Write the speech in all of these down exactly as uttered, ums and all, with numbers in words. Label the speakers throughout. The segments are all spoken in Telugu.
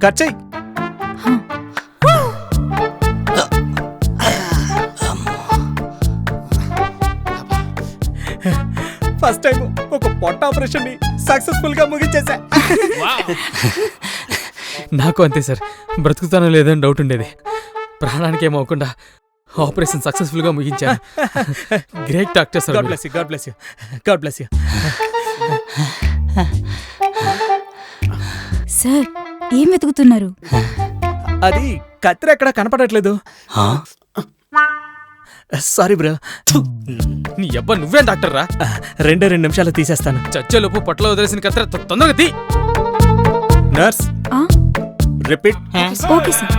Speaker 1: కట్ చెయ్యి. ఫస్ట్ టైం ఒక పొట్ట ఆపరేషన్ ని సక్సెస్ఫుల్ గా ముగించేసా.
Speaker 2: నాకు అంతే సార్, బ్రతుకుతానో లేదని డౌట్ ఉండేది. ప్రాణానికి ఏమవకుండా ఆపరేషన్ సక్సెస్ఫుల్ గా ముగించాను. Great doctor sir.
Speaker 1: God bless you, God bless you, God bless you.
Speaker 3: Sir ఏం వెతుకుతున్నారు?
Speaker 1: అది కత్తిర ఎక్కడ కనపడట్లేదు. Sorry bro.
Speaker 2: నీ అబ్బా నువ్వేం డాక్టర్ రా?
Speaker 1: రెండే రెండు నిమిషాలు తీసేస్తాను.
Speaker 2: చచ్చేలోపు పొట్టలో వదిలేసిన కత్తిర తొందరగా తీ.
Speaker 1: Nurse repeat.
Speaker 3: Okay sir.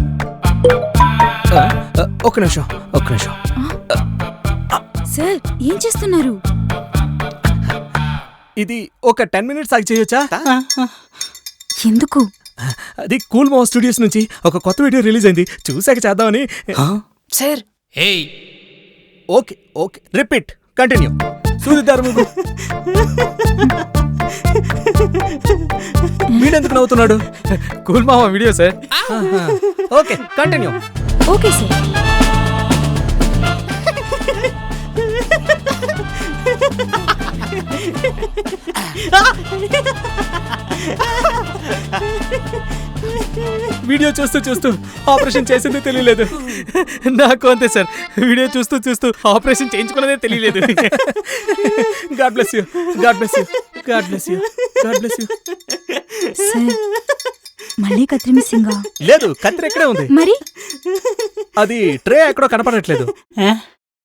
Speaker 1: ఒక నిమిషం ఒక నిమిషం.
Speaker 3: సార్ ఏం చేస్తున్నారు?
Speaker 1: ఇది ఒక టెన్ మినిట్స్ ఆగి చేయొచ్చా?
Speaker 3: ఎందుకు?
Speaker 1: అది కూల్ మో స్టూడియోస్ నుంచి ఒక కొత్త వీడియో రిలీజ్ అయింది, చూసాక చేద్దామని.
Speaker 4: Sir
Speaker 1: okay okay repeat continue. సూదిదారు ముగ్గు. వీడెందుకు నవ్వుతున్నాడు?
Speaker 2: కూల్ మామ video sir.
Speaker 1: Okay continue.
Speaker 3: Okay sir.
Speaker 1: Video చూస్తూ చూస్తూ ఆపరేషన్ చేసింది తెలియలేదు.
Speaker 2: నాకు అంతే సార్, వీడియో చూస్తూ చూస్తూ ఆపరేషన్ చేయించుకున్నదే తెలియలేదు.
Speaker 1: God bless you, God bless you, God bless you, God bless you.
Speaker 3: Sir మళ్ళీ కత్రి మిస్సింగా?
Speaker 1: లేదు, కత్తిర ఎక్కడే ఉంది.
Speaker 3: మరి
Speaker 1: అది ట్రే ఎక్కడో కనపడట్లేదు.